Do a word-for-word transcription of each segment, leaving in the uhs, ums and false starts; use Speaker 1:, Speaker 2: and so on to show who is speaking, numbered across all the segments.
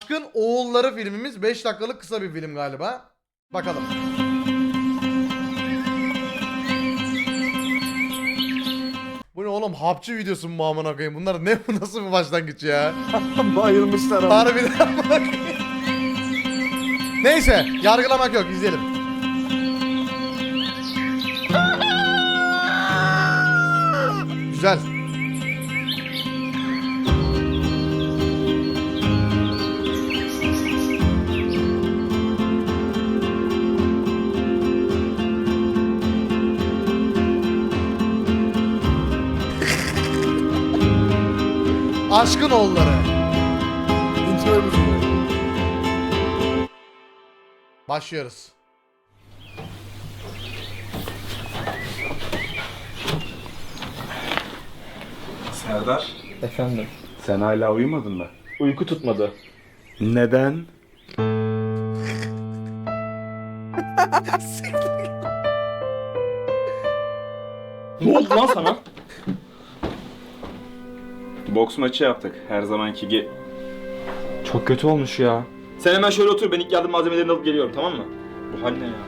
Speaker 1: Aşkın Oğulları filmimiz beş dakikalık kısa bir film galiba. Bakalım. Bu ne oğlum, hapçı videosu mu amına koyayım? Bunlar ne, bu nasıl bir başlangıç ya?
Speaker 2: Bayılmışlar ama.
Speaker 1: Harbiden amına koyayım. Neyse, yargılamak yok, izleyelim. Güzel. Aşkın Oğulları.
Speaker 2: İntro müziği.
Speaker 1: Başlıyoruz.
Speaker 3: Serdar,
Speaker 4: Efendim.
Speaker 3: sen hala uyumadın mı?
Speaker 4: Uyku tutmadı.
Speaker 3: Neden?
Speaker 4: Ne oldu lan sana?
Speaker 3: Boks maçı yaptık. Her zamanki ge...
Speaker 4: Çok kötü olmuş ya. Sen hemen şöyle otur, ben ilk yardım malzemelerini alıp geliyorum, tamam mı? Bu hal ne ya?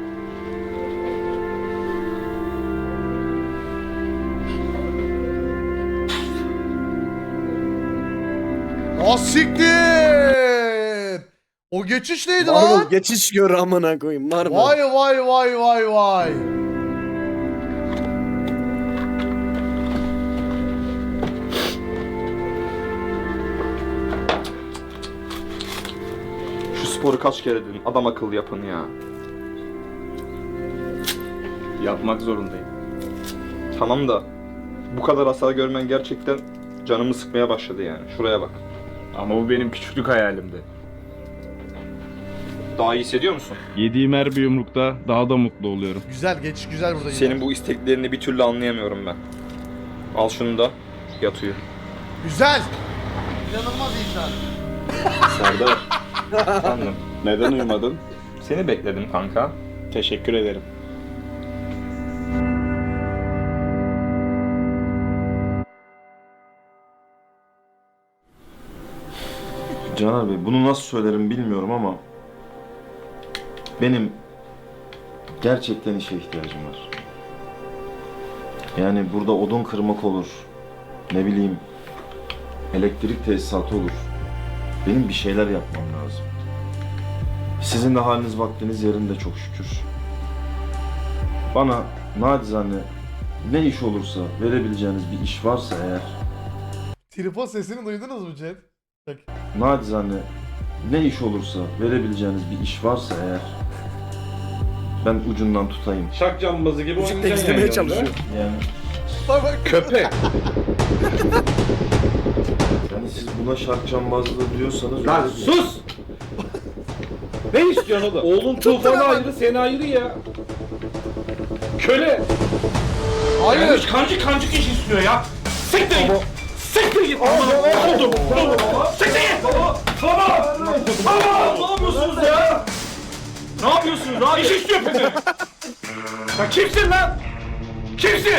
Speaker 1: Asiktir! O geçiş neydi lan?
Speaker 2: Marvel geçiş gör amına koyayım. Marvel.
Speaker 1: Vay vay vay vay vay.
Speaker 4: Şu sporu kaç kere dedim, adam akıllı yapın ya.
Speaker 3: Yapmak zorundayım.
Speaker 4: Tamam da bu kadar hasar görmen gerçekten canımı sıkmaya başladı yani. Şuraya bak.
Speaker 3: Ama bu benim küçüklük hayalimdi.
Speaker 4: Daha iyi hissediyor musun?
Speaker 3: Yediğim her bir yumrukta daha da mutlu oluyorum.
Speaker 1: Güzel, geçiş güzel burada. yine.
Speaker 4: Senin bu isteklerini bir türlü anlayamıyorum ben. Al şunu da yat uyu.
Speaker 1: Güzel. İnanılmaz iyi şu an.
Speaker 3: Serdar,
Speaker 4: Efendim.
Speaker 3: neden uyumadın?
Speaker 4: Seni bekledim kanka.
Speaker 3: Teşekkür ederim.
Speaker 5: Caner Bey, bunu nasıl söylerim bilmiyorum ama benim gerçekten işe ihtiyacım var. Yani burada odun kırmak olur, ne bileyim elektrik tesisatı olur. Benim bir şeyler yapmam lazım. Sizin de haliniz vaktiniz yerinde çok şükür. Bana nacizane ne iş olursa verebileceğiniz bir iş varsa eğer,
Speaker 1: Tripod sesini duydunuz mu chat? Bak.
Speaker 5: nacizane ne iş olursa verebileceğiniz bir iş varsa eğer ben ucundan tutayım.
Speaker 3: Şak cambazı gibi
Speaker 2: Müzik de izlemeye çalışıyor.
Speaker 5: Yani,
Speaker 1: Bak bak.
Speaker 3: Köpek.
Speaker 5: yani siz buna şark cambazlığı diyorsanız...
Speaker 3: Lan
Speaker 5: öyle değil.
Speaker 3: sus! Ne istiyorsun oğlum? Oğlum tufanı ayrı, seni ayrı ya. Köle!
Speaker 1: Hayır.
Speaker 3: Kancık kancık iş istiyor ya. Siktir git! Siktir git! Baba! Oldu! Siktir git! Baba! Baba! Baba! Ne yapıyorsunuz ya? Ne yapıyorsunuz abi? İş istiyor beni! Sen kimsin lan? Kimsin?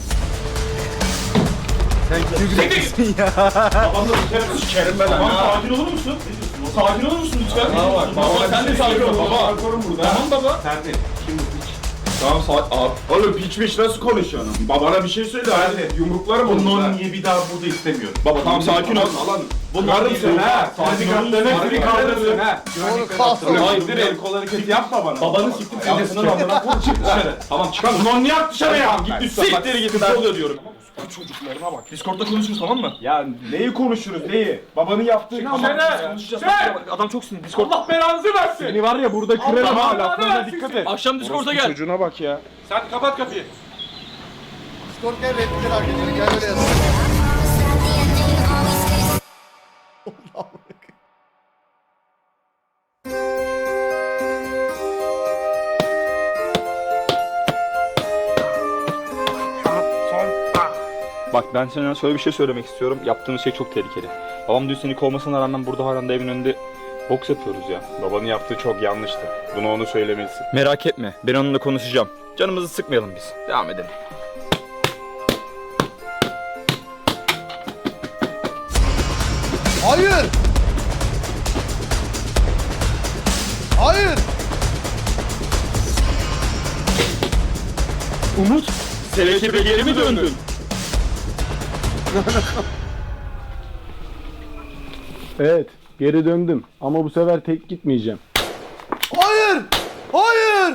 Speaker 2: Sen
Speaker 3: Siktir git! Babamla sikerim, sikerim ben. Tamam, sakin olur musun? Sakin olur musun lütfen? Baba bak, baba sen de sakin ol baba. Tamam baba. Sen de. Tamam saat abi.
Speaker 6: Oğlum piçmiş nasıl konuşuyorsun? Babana bir şey söyle hadi. Yumruklarım olur.
Speaker 3: Bunları
Speaker 6: niye bir daha burada istemiyorum?
Speaker 3: Baba tamam sakin ol.
Speaker 6: Lan bunları sen ha.
Speaker 3: Sakin ol.
Speaker 6: Seni kaldırırsın ha.
Speaker 1: Onu kalsın.
Speaker 6: Hayır el kol hareketi yapma bana.
Speaker 3: Babanı siktir seni de
Speaker 6: Yapsın amına koy çık dışarı.
Speaker 3: Tamam çıkar.
Speaker 6: Ulan niye at dışarı ya?
Speaker 3: Git lütfen.
Speaker 6: Siktir git
Speaker 3: Ne
Speaker 6: lan.
Speaker 3: oluyor diyorum.
Speaker 6: Bu çocuklarına bak.
Speaker 3: Discord'da konuşuruz tamam mı?
Speaker 6: Ya neyi konuşuruz neyi? Babanın yaptığını ama.
Speaker 3: Konuşacağız. Adam çok sinirli. Discord.
Speaker 6: Allah belanızı versin. Seni var ya burada kırarım
Speaker 3: Allah
Speaker 6: ha
Speaker 3: belanı
Speaker 6: laflarına
Speaker 3: versin
Speaker 6: dikkat
Speaker 3: seni.
Speaker 6: et.
Speaker 3: Akşam Discord'a
Speaker 6: Orospu
Speaker 3: gel.
Speaker 6: Çocuğuna bak ya.
Speaker 3: Sen kapat kapıyı.
Speaker 1: Discord gel, renkleri hak ediyor. Gel öyle yazın.
Speaker 4: Bak ben sana şöyle bir şey söylemek istiyorum. Yaptığımız şey çok tehlikeli. Babam dün seni kovmasına rağmen burada halen de evin önünde boks yapıyoruz ya.
Speaker 3: Babanın yaptığı çok yanlıştı. Bunu onu söylemelisin.
Speaker 4: Merak etme. Ben onunla konuşacağım. Canımızı sıkmayalım biz. Devam edelim.
Speaker 1: Hayır.
Speaker 4: Umut, selekebe geri mi döndün?
Speaker 7: Evet, geri döndüm ama bu sefer tek gitmeyeceğim.
Speaker 1: Hayır! Hayır!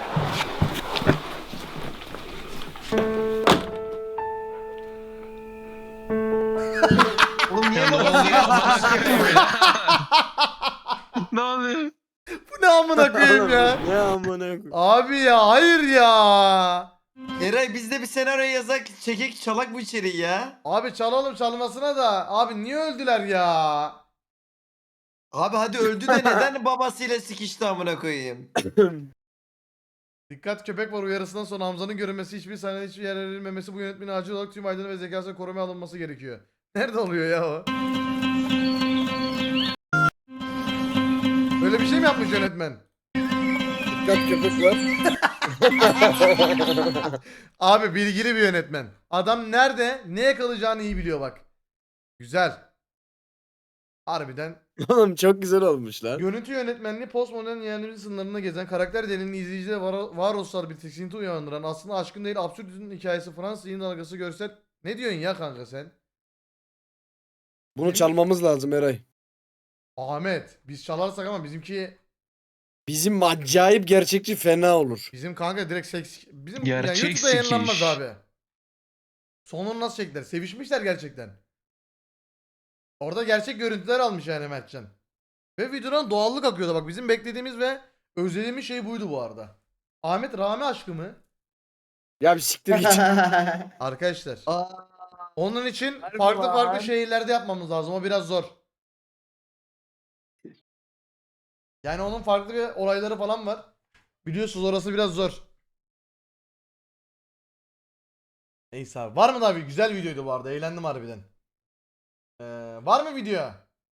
Speaker 8: Oğlum niye böyle Ne oluyor?
Speaker 1: Bu ne amına koyayım ya?
Speaker 2: Ne amına koyayım.
Speaker 1: Abi ya hayır ya.
Speaker 8: Eray biz de bir senaryo yazak, çekek çalak bu içeriği ya.
Speaker 1: Abi çalalım çalmasına da. Abi niye öldüler ya?
Speaker 8: Abi hadi öldü de neden babasıyla sikişti amına koyayım?
Speaker 1: Dikkat köpek var uyarısından sonra Hamza'nın görünmesi hiçbir sahnede hiçbir yer verilmemesi bu yönetmenin acil olarak tüm aydın ve zekasına korumaya alınması gerekiyor. Nerede oluyor ya o? Böyle bir şey mi yapmış yönetmen?
Speaker 2: Dikkat köpek var.
Speaker 1: Abi bilgili bir yönetmen. Adam nerede ne yakalayacağını iyi biliyor bak. Güzel. Harbiden.
Speaker 2: Oğlum çok güzel olmuş lan.
Speaker 1: Görüntü yönetmenliği postmodern yeryüzü sınırlarında gezen karakter delinin izleyicide var varoluşsal bir tiksinti uyandıran aslında aşkın değil absürdizmin hikayesi Fransız yayın dalgası görsel. Ne diyorsun ya kanka sen?
Speaker 2: Bunu çalmamız lazım Eray.
Speaker 1: Ahmet biz çalarsak ama bizimki
Speaker 2: Bizim acayip gerçekçi fena olur.
Speaker 1: bizim kanka direkt seks bizim
Speaker 8: Gerçek
Speaker 1: yani YouTube'da yayınlanmaz
Speaker 8: sikiş.
Speaker 1: abi. Sonunu nasıl çektiler? Sevişmişler gerçekten. Orada gerçek görüntüler almış yani Mertcan. Ve videodan doğallık akıyordu bak bizim beklediğimiz ve özlediğimiz şey buydu bu arada. Ahmet Rami aşkı mı?
Speaker 2: Ya bir siktir git.
Speaker 1: Arkadaşlar.
Speaker 8: Aa,
Speaker 1: Onun için
Speaker 2: Harbi
Speaker 1: farklı
Speaker 2: lan.
Speaker 1: farklı şehirlerde yapmamız lazım. O biraz zor. Yani onun farklı bir olayları falan var. Biliyorsunuz orası biraz zor. Neyse abi. Var mı daha bir güzel videoydu bu arada. Eğlendim harbiden. Ee, var mı video?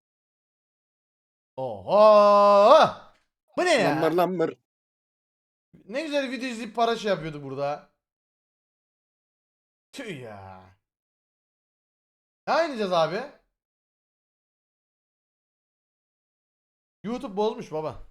Speaker 1: Oho! Bu ne ya?
Speaker 2: Lambır lambır.
Speaker 1: Ne güzel video izleyip para şey yapıyorduk burada. Tüh ya. Ne oynayacağız abi? YouTube bozmuş baba.